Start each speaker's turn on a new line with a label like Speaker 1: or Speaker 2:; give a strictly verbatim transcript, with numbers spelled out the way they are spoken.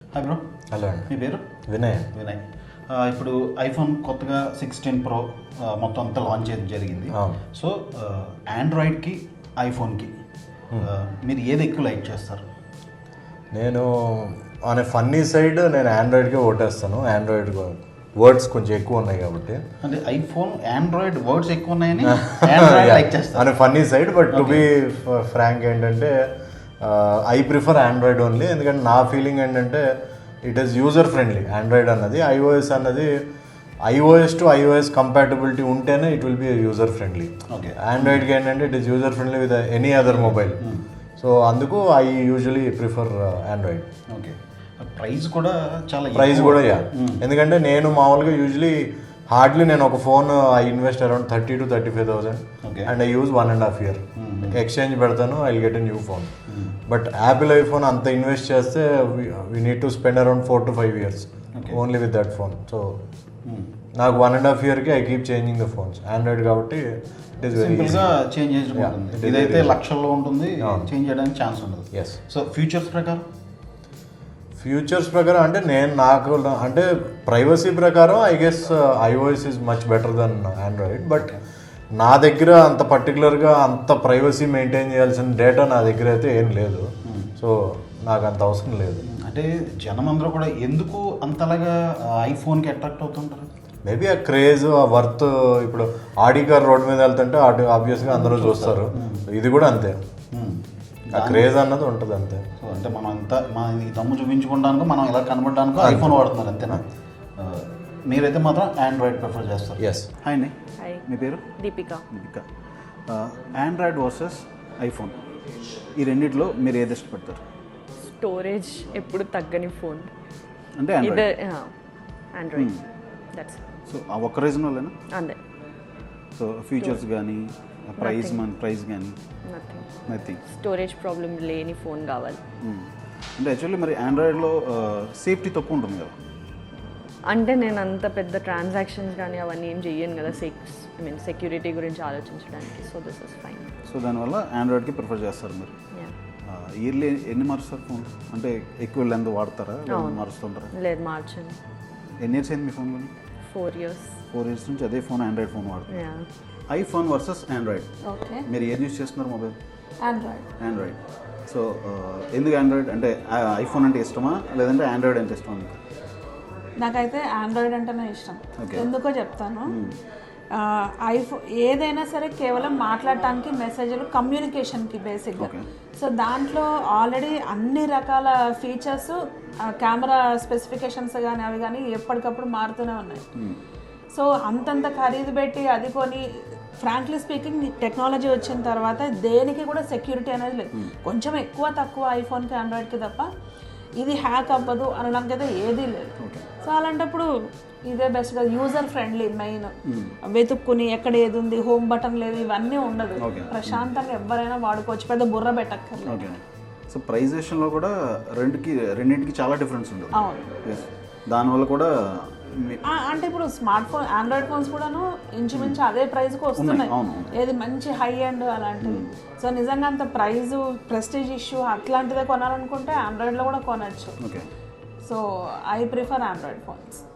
Speaker 1: Hi bro.
Speaker 2: Hello అండి.
Speaker 1: మీ పేరు?
Speaker 2: వినయ్.
Speaker 1: వినయ్. ఇప్పుడు ఐఫోన్ కొత్తగా సిక్స్టీన్ ప్రో మొత్తం అంతా లాంచ్ చేయడం జరిగింది. సో ఆండ్రాయిడ్కి ఐఫోన్కి మీరు ఏది ఎక్కువ లైక్ చేస్తారు?
Speaker 2: నేను అనే ఫన్నీ సైడ్ నేను ఆండ్రాయిడ్కే ఓటేస్తాను. ఆండ్రాయిడ్ వర్డ్స్ కొంచెం ఎక్కువ ఉన్నాయి కాబట్టి.
Speaker 1: అంటే ఐఫోన్ ఆండ్రాయిడ్ వర్డ్స్ ఎక్కువ ఉన్నాయని ఆండ్రాయిడ్ లైక్ చేస్తాను
Speaker 2: అనే funny side. But to be frank ఏంటంటే ఐ ప్రిఫర్ ఆండ్రాయిడ్ ఓన్లీ. ఎందుకంటే నా ఫీలింగ్ ఏంటంటే it is user friendly. Android అన్నది ఐఓఎస్ అన్నది ఐఓఎస్ టు ఐఓఎస్ కంపాటబిలిటీ ఉంటేనే it will be user friendly.
Speaker 1: Okay.
Speaker 2: ఆండ్రాయిడ్కి ఏంటంటే it is user friendly with any other mobile. So అందుకు I usually prefer Android.
Speaker 1: Okay. Price కూడా చాలా
Speaker 2: price కూడా yeah. ఎందుకంటే నేను మామూలుగా యూజువలీ హార్డ్లీ నేను ఒక phone I invest around thirty to thirty five thousand and I use one and half year. Exchange పెడతాను, I get a new phone. But Apple iPhone అంత ఇన్వెస్ట్ చేస్తే we need to spend around four to five years only with that phone. So నాకు one and half ఇయర్కి I keep changing the phones. Android కాబట్టి it is very
Speaker 1: సింపుల్గా change చేసుకుంటుంది. ఇదైతే లక్షల్లో ఉంటుంది, చేంజ్ చేయడానికి ఛాన్స్ ఉండదు.
Speaker 2: ఎస్.
Speaker 1: సో ఫ్యూచర్స్ ప్రకారం
Speaker 2: ఫ్యూచర్స్ ప్రకారం అంటే నేను నాకు అంటే ప్రైవసీ ప్రకారం I guess iOS is much better than Android. But నా దగ్గర అంత పర్టికులర్గా అంత ప్రైవసీ మెయింటైన్ చేయాల్సిన డేటా నా దగ్గర అయితే ఏం లేదు. సో నాకు అంత అవసరం లేదు.
Speaker 1: అంటే జనం అందరూ కూడా ఎందుకు అంతలాగా ఐఫోన్కి అట్రాక్ట్ అవుతుంటారు?
Speaker 2: మేబీ ఆ క్రేజ్, ఆ వర్త్. ఇప్పుడు ఆడి కార్ రోడ్ మీద వెళ్తుంటే ఆడి ఆబ్వియస్గా అందరూ చూస్తారు. ఇది కూడా అంతే, ఆ క్రేజ్ అన్నది ఉంటుంది అంతే.
Speaker 1: సో అంటే మనం అంతా మన ఈ దమ్ము చూపించుకోవడానికి మనం ఇలా కనబడడానికి ఐఫోన్ వాడుతున్నారు అంతేనా? మీరైతే మాత్రం ఆండ్రాయిడ్ ప్రిఫర్ చేస్తారు.
Speaker 2: ఎస్.
Speaker 1: హాయ్ అండి.
Speaker 3: హాయ్.
Speaker 1: మీ పేరు?
Speaker 3: Deepika.
Speaker 1: Deepika. Android versus iPhone, ఈ రెండిట్లో మీరు ఏది ఇష్టపడతారు?
Speaker 3: స్టోరేజ్ ఎప్పుడు తగ్గని ఫోన్
Speaker 1: అంటే
Speaker 3: ఇది
Speaker 1: ఆండ్రాయిడ్.
Speaker 3: ఆండ్రాయిడ్. దట్స్
Speaker 1: సో ఆ ఒక్క రీజన్ వల్లేనా?
Speaker 3: అంతే.
Speaker 1: సో ఫీచర్స్ కానీ ప్రైస్ మన ప్రైస్ కానీ
Speaker 3: నథింగ్
Speaker 1: నథింగ్
Speaker 3: స్టోరేజ్ ప్రాబ్లం లేని ఫోన్ కావాలి.
Speaker 1: అంటే యాక్చువల్లీ మరి ఆండ్రాయిడ్లో సేఫ్టీ తక్కువ ఉంటుంది కదా?
Speaker 3: అంటే నేను అంత పెద్ద ట్రాన్సాక్షన్స్ కానీ అవన్నీ ఏం చెయ్యను కదా, సెక్స్ ఐ మీన్ సెక్యూరిటీ గురించి ఆలోచించడానికి. So this is fine.
Speaker 1: So దానివల్ల ఆండ్రాయిడ్కి ప్రిఫర్ చేస్తారు మీరు. ఇయర్లీ ఎన్ని మారుస్తారు ఫోన్? అంటే ఎక్కువ లెంత్ వాడతారా, మారుస్తుంటారా?
Speaker 3: లేదు, మార్చండి.
Speaker 1: ఎన్ని ఇయర్స్ అయింది మీ ఫోన్ కొని?
Speaker 3: ఫోర్ ఇయర్స్
Speaker 1: ఫోర్ ఇయర్స్ నుంచి అదే ఫోన్ ఆండ్రాయిడ్ ఫోన్ వాడుతున్నారు. ఐఫోన్ వర్సెస్ ఆండ్రాయిడ్,
Speaker 4: ఓకే,
Speaker 1: మీరు ఏది యూస్ చేస్తున్నారు మొబైల్?
Speaker 4: ఆండ్రాయిడ్.
Speaker 1: ఆండ్రాయిడ్. సో ఎందుకు ఆండ్రాయిడ్? అంటే ఐఫోన్ అంటే ఇష్టమా లేదంటే ఆండ్రాయిడ్ అంటే ఇష్టమా మీకు?
Speaker 4: నాకైతే ఆండ్రాయిడ్ అంటేనే ఇష్టం. ఎందుకో చెప్తాను. ఐఫోన్ ఏదైనా సరే కేవలం మాట్లాడటానికి, మెసేజ్లు, కమ్యూనికేషన్కి బేసిక్గా. సో దాంట్లో ఆల్రెడీ అన్ని రకాల ఫీచర్స్, కెమెరా స్పెసిఫికేషన్స్ కానీ అవి కానీ ఎప్పటికప్పుడు మారుతూనే ఉన్నాయి. సో అంతంత ఖరీదు పెట్టి అది కొని, ఫ్రాంక్లీ స్పీకింగ్ టెక్నాలజీ వచ్చిన తర్వాత దేనికి కూడా సెక్యూరిటీ అనేది లేదు. కొంచెం ఎక్కువ తక్కువ ఐఫోన్కి ఆండ్రాయిడ్కి తప్ప ఇది హ్యాక్ అవ్వదు అనడానికి అయితే ఏదీ లేదు. సో అలాంటప్పుడు ఇదే బెస్ట్గా, యూజర్ ఫ్రెండ్లీ. మెయిన్ వెతుక్కుని ఎక్కడ ఏది ఉంది, హోమ్ బటన్ లేదు, ఇవన్నీ ఉండదు. ప్రశాంతంగా ఎవరైనా వాడుకోవచ్చు, పెద్ద బుర్ర పెట్టక్కర్లేదు.
Speaker 1: సో ప్రైస్ విషయంలో కూడా రెండుకి రెండింటికి చాలా డిఫరెన్స్ ఉంటుంది.
Speaker 4: అవును.
Speaker 1: దానివల్ల కూడా
Speaker 4: అంటే ఇప్పుడు స్మార్ట్ ఫోన్, ఆండ్రాయిడ్ ఫోన్స్ కూడాను ఇంచుమించు అదే ప్రైస్కి వస్తున్నాయి. ఏది మంచి హై ఎండ్ అలాంటివి. సో నిజంగా అంత ప్రైజ్, ప్రెస్టీజ్ ఇష్యూ అట్లాంటిదే కొనాలనుకుంటే ఆండ్రాయిడ్లో కూడా కొనచ్చు. So I prefer Android phones.